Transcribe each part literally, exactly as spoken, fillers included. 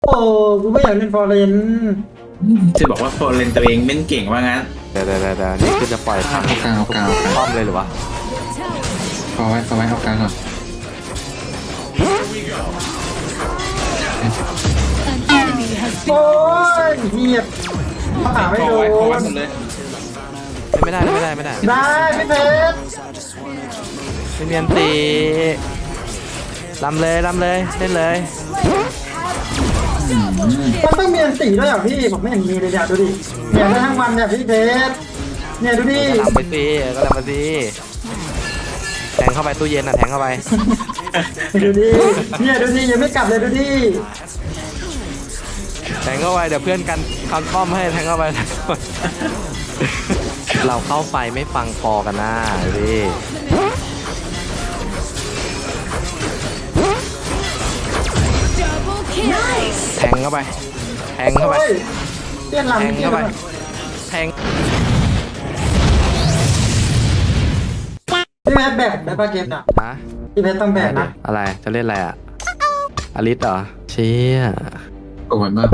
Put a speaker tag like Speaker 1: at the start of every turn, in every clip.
Speaker 1: โอ้กูไม่อยากเล่นฟอร์เรน
Speaker 2: จะบอกว่าโฟนเลนตัวเองเล่นเก่งว่างั้น
Speaker 3: เดี๋ยวเดี๋ยวเดี๋ยวนี่คือจะปล่อยทาง
Speaker 2: เอากลางเอากลางเอากลาง
Speaker 3: ป้อมเลยหรือวะ
Speaker 2: พอไว้พอไว้เอากลางก่อน
Speaker 1: โอ้ยเหี้ยเขาหาไม่
Speaker 2: พอ
Speaker 1: โด
Speaker 2: ไว้พอไว้
Speaker 1: น
Speaker 2: หมดเลย
Speaker 3: ไม่ได้ไม่ได้ไม่ได้
Speaker 1: ได้พี่เพชร
Speaker 3: ไม่เนียนตีลำเลยลำเลยเล่นเลย
Speaker 1: มันต้องมีอันตีด้วยเหรอพี่ผมไม่เห็นมีเลยเนี่ยดูดิเนี่ยได้ทั้งวันเนี่ยพี่เพชรเนี่ยดูดิ
Speaker 3: ก็ลำไปสิก็ลำมาสิแทงเข้าไปตู้เย็นอ่ะแทงเข้าไป
Speaker 1: ดูดิเนี่ยดูดิยังไม่กลับเลยดูดิ
Speaker 3: แทงเข้าไปเดี๋ยวเพื่อนกันคันป้อมให้แทงเข้าไป เราเข้าไฟไม่ฟังคอกันนะดิแทงเข้าไปแทงเข้าไป
Speaker 1: โอ้ยเตี้ยน
Speaker 3: แท
Speaker 1: ลำ
Speaker 3: ง
Speaker 1: พี่
Speaker 3: เข้าไป
Speaker 1: ไป
Speaker 3: แทง
Speaker 1: พี่เพชรแบกได้ปะเกมน่ะ
Speaker 3: ฮะ
Speaker 1: พี่เพชรต้องแบกนะ
Speaker 3: อะไรจะเล่นอะไรอ่ะอลิสเหรอเชี่ย
Speaker 2: โอ้ยมาก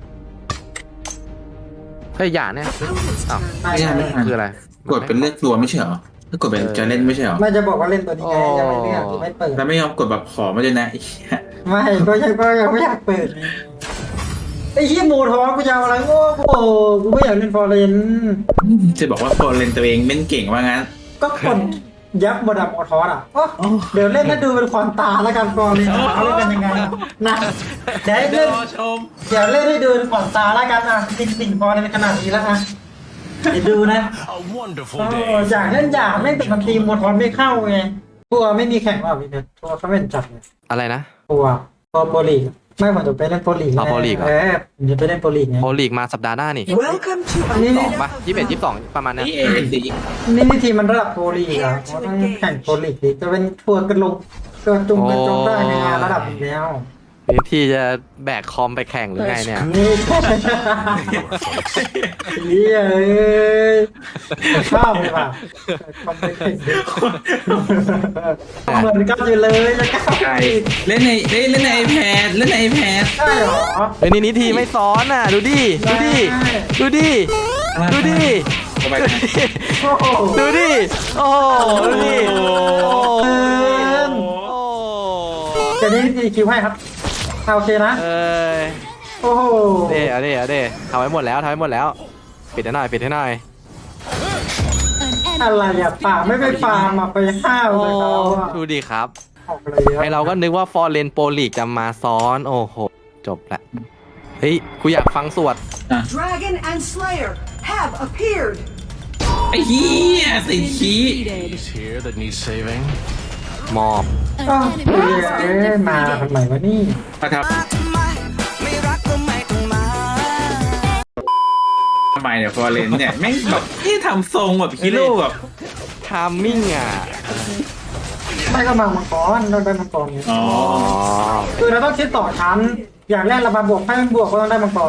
Speaker 3: เฮ้ยอย่าเนี่ยอ้าว
Speaker 1: ไม่
Speaker 2: ไม่ใช่ไม่
Speaker 1: ไม่
Speaker 2: ทัน
Speaker 3: คืออะไร
Speaker 2: กดเป็นเลือกตัวไม่ใช่เหรอถ้ากดเป็นจะเล่นไม่ใช่เหรอ
Speaker 1: ไม่จะบอกว่าเล่นตัวนี้ไงยังไม่เลือกยังไม่เปิด
Speaker 2: แล้วไม่ยอมกดแบบขอมาด้วยนะไอ้เหี้ย
Speaker 1: ไม่ก็ยังก็ยังไม่อยากเปิดไอ้เหี้ยหมูท้องกูจะเอาอะไรโง่โอ้กูไม่อยากเล่นฟอร์เรน
Speaker 2: จะบอกว่าโฟนเลนตัวเองเล่นเก่งว่างั้น
Speaker 1: ก็คนยับหมดอะหมดทอสอะโอ้เดี๋ยวเล่นให้ดูเป็นความตาแล้วกันฟอร์เรนเขาเล่นกันยังไงนะเดี๋ยวให้เล่น
Speaker 2: ชม
Speaker 1: เดี๋ยวเล่นให้ดูเป็นความตาแล้วกันอะติ่งติ่งฟอร์เรนขนาดนี้แล้วอะเดี๋ยวดูนะ
Speaker 4: A wonderful
Speaker 1: โอ้
Speaker 4: day.
Speaker 1: อยากเล่นอยากเล่นแต่มันตีหมดทอสไม่เข้าไงตัวไม่มีแข่งว่ะพี่เพชรตัวเขาไม่เห็นจัดเลย
Speaker 3: อะไรนะ
Speaker 1: ตัวตัวโปรลีกไม่ผมจะไปเล่นโปรลีก
Speaker 3: เอาโปรลีกเหรอ
Speaker 1: เออผมจะไปเล่นโปรลีกไง
Speaker 3: โอลีกมาสัปดาห์หน้านี่
Speaker 5: Welcome to
Speaker 1: อันนี้
Speaker 3: สองป่ะยี่สิบเอ็ดยี่สิบสองประมาณเนี้ย
Speaker 2: นี่เอสิ
Speaker 1: นี่นี่ทีมมันระดับโปรลีกอ่ะเขาต้องแข่งโปรลีกดิจะเป็นทัวร์กันลงตัวจุงกันจงได้ในงานระดับนี้แล้ว
Speaker 3: นี่ที่จะแบกคอมไปแข่งหรือไงเนี่ย
Speaker 1: นี่เฮียเอ้ยชอบเลยว่ะคอมไปแข่งเหมือนกันอยู่เลยจะก้าว
Speaker 2: ใช่เล่นในเล่นเล่นในไอแพดเล่นในไอแพด
Speaker 1: ใช่เหรอ
Speaker 3: เฮ้ยนี่นี่ทีไม่ซ้อนอ่ะ ดูดิ ดูดิ ดูดิ ดูดิ
Speaker 2: เข้าไปนะ
Speaker 1: โอ้โห
Speaker 3: ดูดิ โอ้โหดูดิโอ้โห
Speaker 1: เดี๋ยวนี้ดีคิวให้ครับเอาโอเคนะ
Speaker 3: เอ้ย
Speaker 1: โอ้โห
Speaker 3: เด้เอาเด้เอาเด้ทำไว้หมดแล้วทำไว้หมดแล้ว ปิดให้หน่อยปิดให้หน่อย
Speaker 1: อะไรอ่ะป่าไม่ไปฟาร์มอ่ะไปห้าว
Speaker 3: โอ้
Speaker 1: เลยเขาอ่ะ
Speaker 3: ดูดิครับ
Speaker 1: ออกเลยอะ
Speaker 3: ไอเราก็นึกว่าฟอร์เรนโปรลีกจะมาซ้อน โอ้โห จบละ เฮ้ย กูอยากฟังสวด
Speaker 5: Dragon and Slayer have appeared.
Speaker 2: ไอ้เหี้ยสิขี้
Speaker 4: Is here that needs saving.
Speaker 3: มอบ
Speaker 1: อ้าวเอ้ยมาทำไมวะนี่
Speaker 2: นะครับทำไมเนี่ยฟอร์เรนเนี่ยแม่งแบบที่ทำทรงแบบฮีโร่แบบ
Speaker 3: ทามมิ่งอ่ะ
Speaker 1: ไม่ก็มามังกรเราได้มังกรไง
Speaker 2: อ๋อ
Speaker 3: อ๋อ
Speaker 1: คือเราต้องคิดต่อชั้น อย่างแรกเรามาบวกให้มันบวกก็ต้องได้มังกร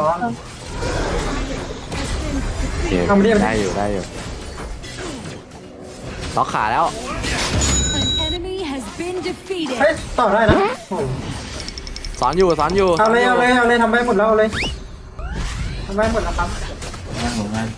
Speaker 3: โอเค
Speaker 1: ทำเรียบ
Speaker 3: ได้อยู่ได้อยู่ล็อกขาแล้ว
Speaker 6: An enemy has been defeated.
Speaker 1: เฮ้ยต่อได้นะโอ้โห
Speaker 3: สอนอยู่สอนอยู่
Speaker 1: เอาเลยเอาเลยเอาเลยทำไปหมดแล้วเอาเลยทำไปหมดแล้วครับ
Speaker 2: น่าสงสาร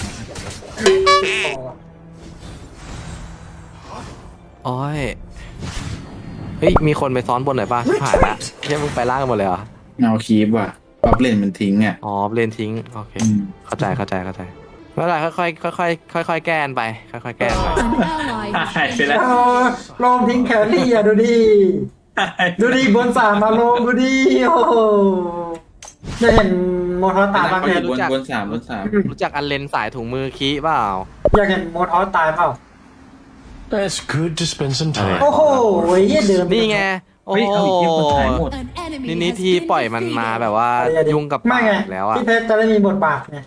Speaker 3: โอ้ย เฮ้ย มีคนไปซ้อนบนหน่อยป่ะผ่านละเฮ้ยมึงไปล่างกันหมดเลยเหรอ
Speaker 2: เงาคีบว่ะป๊อปเลนมันทิ้งอ่ะ
Speaker 3: อ๋อเลนทิ้ง โอเค
Speaker 2: อืม
Speaker 3: เข้าใจเข้าใจเข้าใจไม่เป็นไรค่อยๆค่อยๆค่อยๆแก้กันไป ค่อยๆแก้กันไป
Speaker 6: An ally
Speaker 2: หายไปแล้ว
Speaker 1: เอาลงทิ้งแครี่อ่ะดูดิดูดิบนสามมาลงดูดิโอ้โหจะเห็นโมทอสตายบ้าง
Speaker 2: เขา
Speaker 1: ไหม
Speaker 2: อยู่บนบนสามบนสาม
Speaker 3: รู้จักอันเลนสายถุงมือคีเปล่า
Speaker 1: อยากเห็นโมทอสตายเปล่า
Speaker 4: It's good to spend some time.
Speaker 1: โอ้โหเหี้ยเดิน
Speaker 3: นี่ไง โอ้
Speaker 2: เฮ้ย
Speaker 3: โห
Speaker 2: เอาอีกเทียบคนหายหมด
Speaker 6: An enemy
Speaker 3: นี่นี่
Speaker 6: has
Speaker 3: ที่
Speaker 6: been
Speaker 3: ปล่อยมันมา
Speaker 6: defeated.
Speaker 3: แบบว่ายุ่งกับ
Speaker 1: ไม่
Speaker 3: ป่า
Speaker 1: ไง
Speaker 3: แล้วอ่ะ
Speaker 1: พี่เพชรจะได้มีบทบาทไง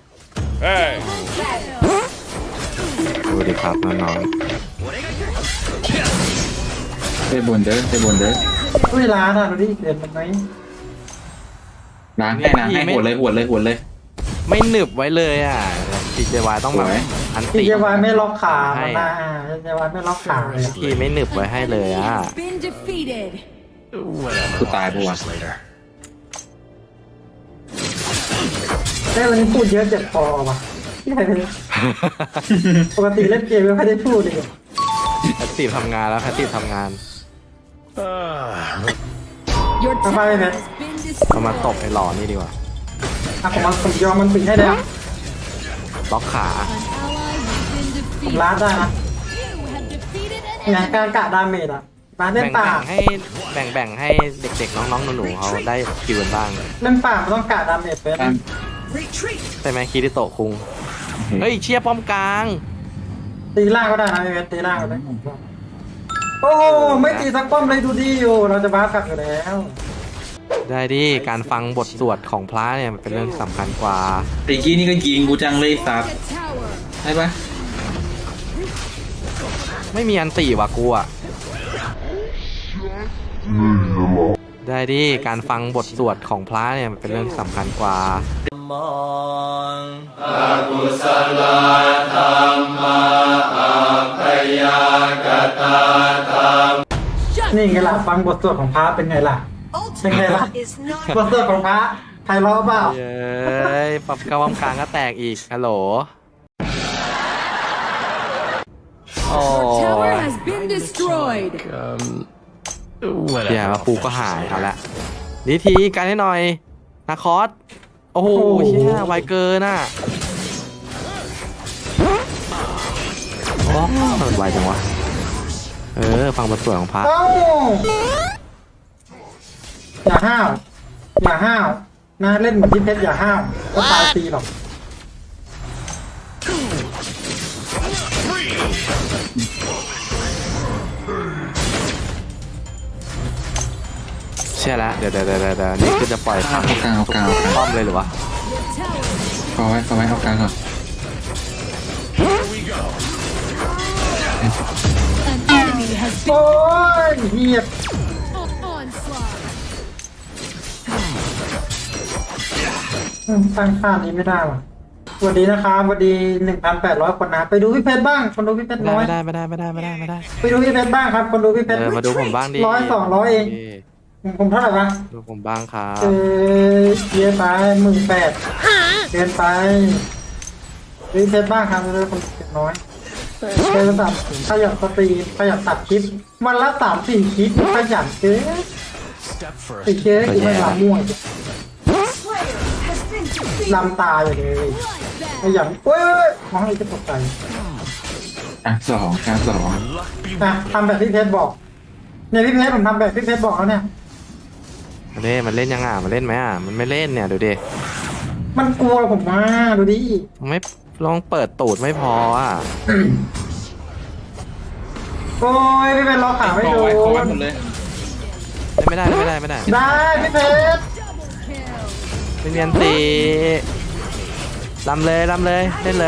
Speaker 3: ดูดิครับน้อง
Speaker 2: ไปบนเด้อไปบนเด้อ
Speaker 1: อุ้ยร้านอ่ะดูดิเกินมันไหม
Speaker 2: ล้างให้นะให้หัวเลยหัวเลยหัวเลย
Speaker 3: ๆไม่หนึบไว้เลยอ่ะทีเจวายต้องแบบ
Speaker 2: สวย
Speaker 3: อัน
Speaker 1: พี่
Speaker 3: ติ
Speaker 1: เจวายไม่ล็อกขา
Speaker 3: ให้
Speaker 1: มันนะพี่เจวายไม่ล็อกขาเลยอะ
Speaker 3: ทีไม่หนึบไว้ให้เลยอ่ะ
Speaker 6: Has been defeated.
Speaker 4: Whatever.
Speaker 2: Goodbye,
Speaker 4: I'll finish
Speaker 2: boy.
Speaker 4: this later.
Speaker 1: ได้วันนี้พูดเยอะเจ็บคอว่ะปกติเล่นเกมไม่ค่อยได้พูดเลย
Speaker 3: แพตติฟทำงานแล้วแพตติฟทำงาน
Speaker 6: Your
Speaker 1: Bye-bye,
Speaker 6: tower
Speaker 1: man.
Speaker 6: has been
Speaker 3: เรามาตบ
Speaker 6: destroyed.
Speaker 3: ไอ้หล่อนี่ดีกว่า
Speaker 1: อ่ะผมมาผมยอมมันปิดให้แล้ว
Speaker 3: ล็อกขา
Speaker 6: An ally has been
Speaker 1: ผม
Speaker 6: defeated.
Speaker 1: ล้าดได้นะ
Speaker 6: You have defeated an
Speaker 1: ไง
Speaker 6: enemy.
Speaker 1: การกะดาเมจอ่ะมาเล่น
Speaker 3: แบ่ง
Speaker 1: ป่า
Speaker 3: แบ่งให้แบ่งแบ่งให้เด็กๆน้องๆหนูๆเขาได้คิวกันบ้าง
Speaker 1: เล่นป่ามันต้องกะดาเมจเป็น
Speaker 2: ตาม
Speaker 5: Retreat.
Speaker 3: ใช่ไหมคิริโตะคุง เฮ้ยเชียร์ป้อมกลาง
Speaker 1: ตีล่างก็ได้นะเอเวสตีล่างก็ได้โอ้ไม่ตีสักป้อมเลยดูดิโอเราจะบ้ากลับอยู่แล้ว
Speaker 3: ได้ดิ การฟังบทสวดของพระเนี่ยมันเป็นเรื่องสำคัญกว่า
Speaker 2: ไอ้กี้นี่ก็ยิงกูจังเลยสัตว์
Speaker 6: The tower.
Speaker 2: ใช่ปะ
Speaker 3: ไม่มีอันตีว่ะกูอ่ะ ได้ดิ การฟังบทสวดของพระเนี่ยมันเป็นเรื่องสำคัญกว่า
Speaker 1: นี่ไงล่ะฟังบทสวดของพระเป็นไงล่ะ เป็นไงล่ะ
Speaker 5: Ultimate is not
Speaker 1: บทสวดของพระใครร้องเปล่า
Speaker 3: เย้ยปรับกระวำกลางก็แตกอีก ฮัลโหล โอ้
Speaker 6: Your tower
Speaker 3: ย
Speaker 6: has been destroyed.
Speaker 4: Um,
Speaker 3: เดี๋ยว
Speaker 4: whatever.
Speaker 3: มาปูก็หายเอาละดีทีกันให้หน่อยนาคอส โอ้โหเชี่ยไวเกินน่ะโอ้มันไวจังวะ เออ ฟังบทสวดของพระ
Speaker 1: เอ้าอย่าห้าวอย่าห้าวนะเล่นเหมือนที่เพชรอย่าห้าวก็ตายตีหรอก
Speaker 3: เชื่อแล้วเดี๋ยวเดี๋ยวเดี๋ยวเดี๋ยวนี่คือจะปล่อยพัง
Speaker 2: เอากลางเอากลางเอากลาง
Speaker 3: ป้อมเลยหรือวะ
Speaker 6: Your tower
Speaker 2: พอไว้พอไว้เอากลางก่อน
Speaker 6: An enemy has
Speaker 1: โอ้ยเฮีย
Speaker 6: been onslaught.
Speaker 1: ตั้งค่านี้ไม่ได้ว่ะสวัสดีนะครับสวัสดีหนึ่งพันแปดร้อยคนนะไปดูพี่เพชรบ้างคนดูพี่เพชรน้อย
Speaker 3: ไม่ได้ไม่ได้ไม่ได้ไม่ได้ไม่ได้
Speaker 1: ไปดูพี่เพชรบ้างครับ คนดูพี่เพชร
Speaker 3: เออมาดูผมบ้างดิ
Speaker 1: ร้อยสองร้อยเอง ผมเท่าไหร่วะ
Speaker 3: ดูผมบ้างครับ
Speaker 1: เออเยอะไปหมื่นแปดเกินไปดูพี่เพชรบ้างครับเลยคนเก็บน้อยเป็นระดับขยันสตรีมขยันตัดคลิปวันละสามสี่คลิปขยันเกิน
Speaker 4: Step first.
Speaker 1: ติดเชื้ออีกไม่ลำม่วย
Speaker 5: Slayer has been defeated.
Speaker 1: ลำตายอยู่เลยขยันเว้ยมองให้จะตกใจ
Speaker 2: อ่ะสองกลางสอง
Speaker 1: อ่ะทำแบบพี่เพชรบอกเนี่ยพี่เพชรผมทำแบบพี่เพชรบอกแล้วเนี่ย
Speaker 3: มันเล่นมันเล่นยังอ่ะมันเล่นไหมอ่ะมันไม่เล่นเนี่ยดูดิ
Speaker 1: มันกลัวผมมาดูดิ
Speaker 3: มันไม่ลองเปิดตูดไม่พออ่ะ
Speaker 1: โอ้ยพี่เพชรล็อกขาไม่
Speaker 2: พอ
Speaker 1: โด
Speaker 2: ไว้พอไว้
Speaker 1: น
Speaker 2: หมดเลย
Speaker 3: เล่นไม่ได้เล่นไม่ได้ไม่ได้
Speaker 1: ได้พี่เพชร
Speaker 3: ไม่มีอันตีลำเลยลำเลยเล่นเลย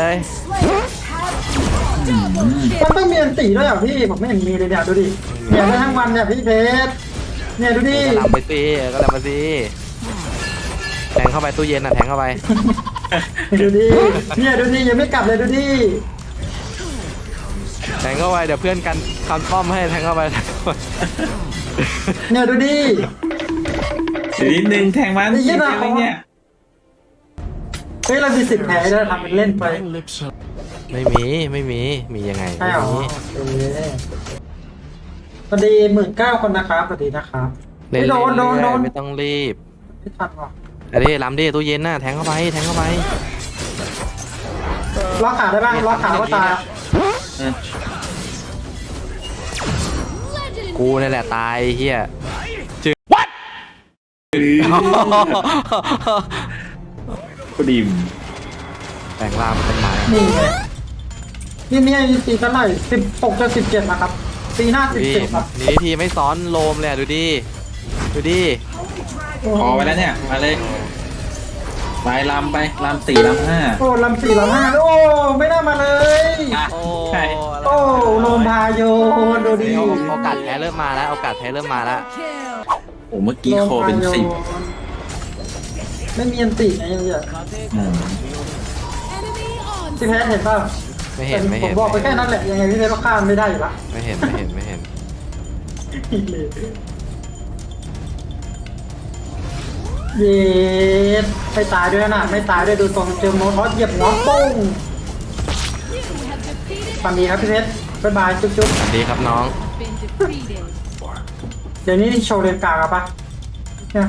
Speaker 1: มันต้องมีอันตีด้วยเหรอพี่ผมไม่เห็นมีเลยเนี่ยดูดิเนี่ยได้ทั้งวันเนี่ยพี่เพชรเนี่ยดูดิ
Speaker 3: ก็ลำไปสิก็ลำไปสิแทงเข้าไปตู้เย็นอ่ะแทงเข้าไป
Speaker 1: ดูดิเนี่ยดูดิยังไม่กลับเลยดูดิ
Speaker 3: แทงเข้าไปเดี๋ยวเพื่อนกันคำป้อมให้แทงเข้าไป
Speaker 1: เนี่ยดูดิ
Speaker 2: เดี๋ยวนิดนึงแทงมัน
Speaker 1: ไอ้เหี้
Speaker 2: ยิ
Speaker 1: ย
Speaker 2: ง
Speaker 1: น่ะ
Speaker 2: ไปเนี่ย
Speaker 1: เฮ้ยเรามีสิทธิ์แพ้ด้วยทำเป็นเล่นไป
Speaker 4: My lips are
Speaker 3: ไม่มีไม่มีมียังไง
Speaker 1: ใช่
Speaker 3: ไม่
Speaker 1: เหรอ
Speaker 3: มี
Speaker 1: โอเคสวัสดีหมื่นเก้าคนนะครับสวัสดีนะครับ
Speaker 3: เล่น
Speaker 1: ไม่โดนโดนโด
Speaker 3: เรื่อย
Speaker 1: น
Speaker 3: ๆไม่ต้องรีบ
Speaker 1: ไม่ทันหรอก
Speaker 3: อันนี้ลำดิตู้เย็นน่ะแทงเข้าไปแทงเข้าไป
Speaker 1: ล็อกขาได้บ้างล็อกขาก็ตาย
Speaker 2: เออ
Speaker 3: กูนี่แหละตายไอ้เฮียจืด
Speaker 2: กูดิม
Speaker 3: แปลงร่างเป็นต้นไม้
Speaker 1: นี่ไงนี่เนี่ยตีเท่าไหร่สิบหกจะสิบเจ็ดนะครับตีหน้าสิบ
Speaker 3: นี่
Speaker 1: เจ็ดครับ
Speaker 3: นี่ทีไม่ซ้อนโลมเลยอะดูดิดูดิ
Speaker 2: พอไว้แล้วเนี่ยมาเลยไปลำไปลำสี่ลำห้า
Speaker 1: โอ้ลำสี่ลำห้าโอ้ไม่น่ามาเลย
Speaker 2: อ่ะ
Speaker 3: โอ้
Speaker 2: ใช่
Speaker 1: โอ้โลมพาโยดูดิ
Speaker 3: โโอกาสแพ้เริ่มมาแล้วโอกาสแพ้เริ่มมาแล้ว
Speaker 2: โอ้เมื่อกี้โคเป็นสิบ
Speaker 1: ไม่มีอันติไงยังเยอะ
Speaker 2: อืม
Speaker 1: พี่แพ้เห็นป่ะ
Speaker 3: ไม่เห็นไม่
Speaker 1: ผ
Speaker 3: เห็
Speaker 1: ม
Speaker 3: น
Speaker 1: บอกไปแค่นั้นแหละยังไงพี่แพ้ก็ข้ามไม่ได้อยู่ละ
Speaker 3: ไม่เห็นไม่เห็นไม่เห็น
Speaker 1: เย็ดไม่ตายด้วยนะไม่ตายด้วยดูตรงเจอโมทอสเหยียบหัวปุ้ง
Speaker 6: You have defeated
Speaker 1: ฟันดีครับพี่เพชรบ๊ายบายจุ๊บจุ๊บ
Speaker 3: สวัสดีครับน้อง
Speaker 6: been defeated.
Speaker 1: เดี๋ยวนี้โชว์เลนกลางอะปะเนี่ย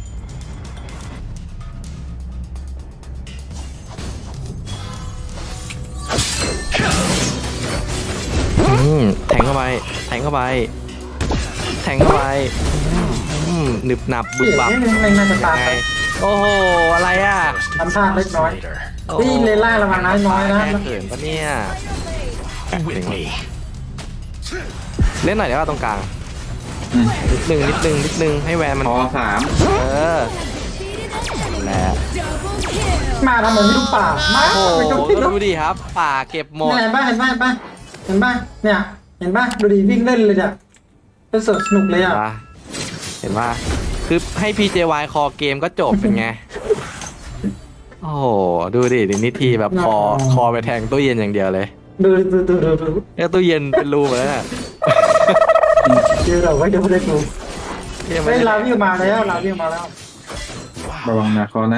Speaker 3: อืมแทงเข้าไปแทงเข้าไปแทงเข้าไปอืมหนึบหนับบึบบับ
Speaker 1: นี่ไม่น่าจะตาม
Speaker 3: ไง
Speaker 1: ไป
Speaker 3: โอ้โหอะไรอ่ะ
Speaker 1: ทำท่าเล็กน้อย
Speaker 4: Later.
Speaker 3: โอ้
Speaker 1: นี่เลนล่างระวังน้อยน้อยนะ
Speaker 3: แก้เขินปะเนี่ย
Speaker 4: With me.
Speaker 3: เล่นหน่อยเดี๋ยวว่าตรงกลาง
Speaker 2: อืม
Speaker 3: นิดนึงนิดนึงนิดนึงให้แวนมัน
Speaker 2: พอสาม
Speaker 3: เออแหละ
Speaker 6: Double kill.
Speaker 1: มาทำเหมือนไม่รู้ป่ามา
Speaker 3: โอ้โห
Speaker 1: ไปจุ๊บจุ๊บ
Speaker 3: ดูดิครับ ป่าเก็บหมด
Speaker 1: เห็นป่ะเห็นป่ะเห็นป่ะเห็นป่ะเนี่ย เห็นป่ะดูดิวิ่งเล่นเลยเนี่ยเป็นสดสนุกเลย
Speaker 3: เห็
Speaker 1: อ่ะ
Speaker 3: นปะเห็นว่าคือให้ พี เจ วาย คอเกมก็จบเป็นไง โอ้โห ดูดิดินิทีแบบคอคอไปแทงตู้เย็นอย่างเดียวเลย
Speaker 1: ดูดูดูดูดู
Speaker 3: แล้วตู้เย็นเป็นรูหมดแล้วน่ะ
Speaker 1: เจอเราไว้เดี๋ยวไม่ได้ดู
Speaker 3: ยังไม่
Speaker 1: เฮ้ย
Speaker 3: ได้
Speaker 1: ลาวิวมาแล้วลาวิวมาแล้ว
Speaker 2: ระวังนะคอนะ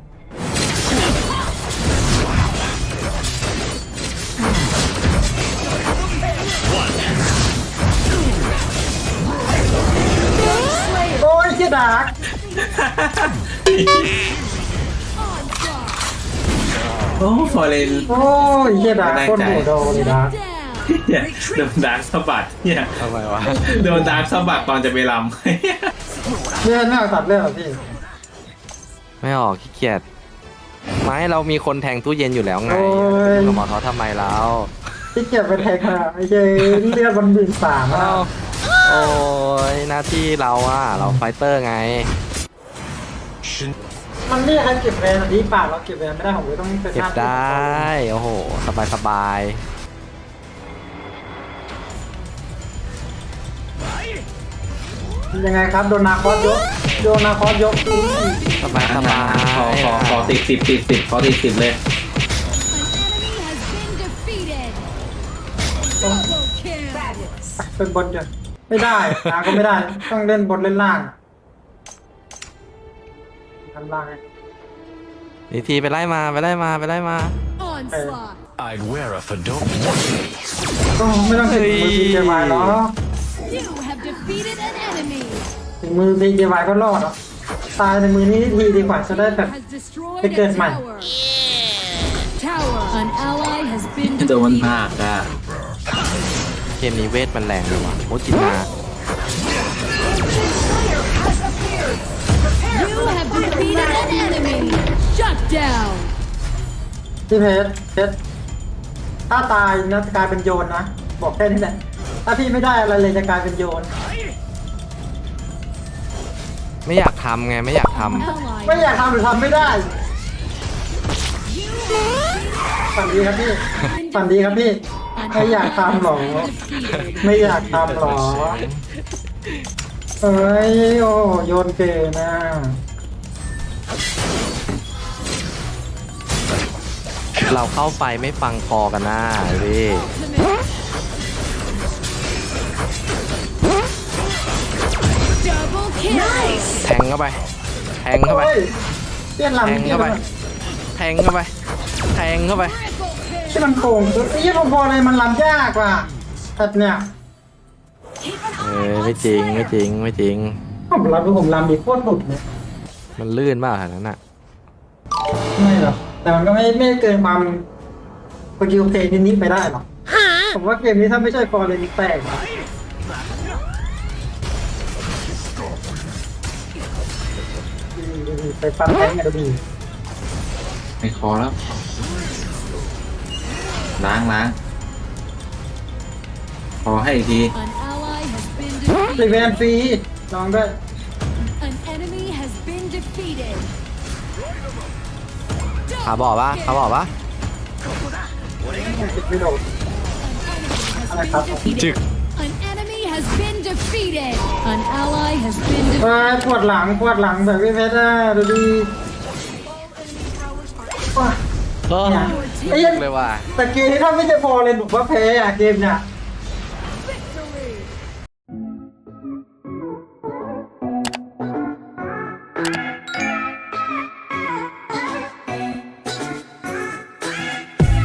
Speaker 1: โอ้ยเจ๊ดาร์ก
Speaker 2: โอ้ฟอร์เรน
Speaker 1: โอ้ยเจ๊ดาร์กโคตรโหดโดเลยดาร์ก
Speaker 6: Down.
Speaker 2: เนี่ยโดนดาร์กสะบัดเนี่ย
Speaker 3: ทำไมวะ
Speaker 2: โดนดาร์กสะบัดตอนจะไปล
Speaker 1: เลื่อนไม่เอาตัดเลื่อนหรอพี่
Speaker 3: ไม่ออกขี้เกียจไม่เรามีคนแทงตู้เย็นอยู่แล้วไง
Speaker 1: โอ้ย
Speaker 3: เราหมอท้อทำไมเรา
Speaker 1: ที่เก็บไปแทงอะไม่ใช่เลือดบนบินสามอะ
Speaker 3: เอ้าโอ้ยหน้าที่เราอะเราไฟเตอร์ไง
Speaker 4: Shin-
Speaker 1: มันเรียกใครเก็บแวนอันนี้ป่าเราเก็บแวนไม่ได้ผมเลยต้องไป
Speaker 3: เก็บได้ โอ้โห สบายสบาย
Speaker 1: ยังไงครับโดนนาคอสยกโดนนาคอสยกอุ้ย
Speaker 3: สบายสบาย
Speaker 2: ำขอขอขอติดสิบติดสิบขอติดสิบเลย
Speaker 6: An enemy has been defeated. Double kill.
Speaker 1: เป็นบนจ้ะไม่ได้นาก็ไม่ได้ต้องเล่นบนเล่นล่างทำล่างไง
Speaker 3: นิทีไปไล่มาไปไล่มาไปไล่มา
Speaker 6: Onslaught.
Speaker 4: I'd wear a fedora. Watch me.
Speaker 1: ก็ไม่ต้องถึงมือทีเจวายหรอก
Speaker 6: You have defeated an enemy.
Speaker 1: ถึงมือทีเจวายก็รอดหรอกตายในมือนี้ทีดีกว่าจะได้แบบ
Speaker 6: Has destroyed
Speaker 1: Cái
Speaker 6: a
Speaker 1: kênh mày.
Speaker 6: tower. Tower. An ally has been
Speaker 2: โดน
Speaker 6: defeated.
Speaker 2: ภาคอ่ะ
Speaker 3: เกมนี้เวทมันแรงเลยวะโมจินา
Speaker 6: You have defeated an enemy. Shut down.
Speaker 1: พี่เพชรเพชรถ้าตายนะจะกลายเป็นโยนนะบอกแค่นี้แหละถ้าพี่ไม่ได้อะไรเลยจะกลายเป็นโยน
Speaker 3: ไม่อยากทำไงไม่อยากท
Speaker 6: Ally.
Speaker 1: ไม่อยากทำหรือทำไม่ได้ฝันดีครับพี่ฝันดีครับพี่ไม่อยากทำหรอ
Speaker 6: Defeated.
Speaker 1: ไม่อยากทำหรอเอ้ยโอ้โยนเกนะ
Speaker 3: ำเราเข้าไฟไม่ฟังคอกันนะดิ
Speaker 6: Ultimate. Double kill.
Speaker 3: แทงเข้าไป แทงเข้าไป
Speaker 1: โอ้ยเตี้ยน
Speaker 3: แท
Speaker 1: ลำ
Speaker 3: ง
Speaker 1: เตี้ย
Speaker 3: เข้าน ไป
Speaker 1: ลำ
Speaker 3: แทงเข้าไป แทงเข้าไป
Speaker 6: Triple kill.
Speaker 1: ที่มันโกงไอ้ยี่พอๆเลยมันลำยากกว่าแบบเนี้ย
Speaker 3: เออไม่จริงไม่จริงไม่จริง
Speaker 1: ผมลำดูผมลำดีโคตรหลุดเลย
Speaker 3: มันลื่นมากขนาดนั้นอ่ะ
Speaker 1: ไม่หรอกแต่มันก็ไม่ไม่เกินความสกิลเพลย์นิดๆไปได้หรอกผมว่าเกมนี้ถ้าไม่ใช่ฟอร์เรนแตกนะไปฟันแทงกันดูดี
Speaker 2: ไม่คอแล้ว ล้างล้างขอให้อีกที
Speaker 6: An ally has been
Speaker 1: รีเว
Speaker 6: defeated.
Speaker 1: นฟรีลองด้วย
Speaker 6: An enemy has been defeated.
Speaker 3: ขาบอกปะขาบอกปะ
Speaker 1: ไม่โดน
Speaker 6: An enemy has been defeated. An enemy has been defeated. An ally has been
Speaker 1: เอ้
Speaker 6: defeated.
Speaker 1: ยปวดหลังปวดหลังแบบพี่เพชรอะดูดีว้า
Speaker 3: เออ
Speaker 1: เนี่ยไอ้เหี้ย
Speaker 3: เลยว่ะ
Speaker 1: แต่เกมนี้ถ้าไม่ใช่ฟอร์เรนผมว่าแพ้อะเกมเนี่ย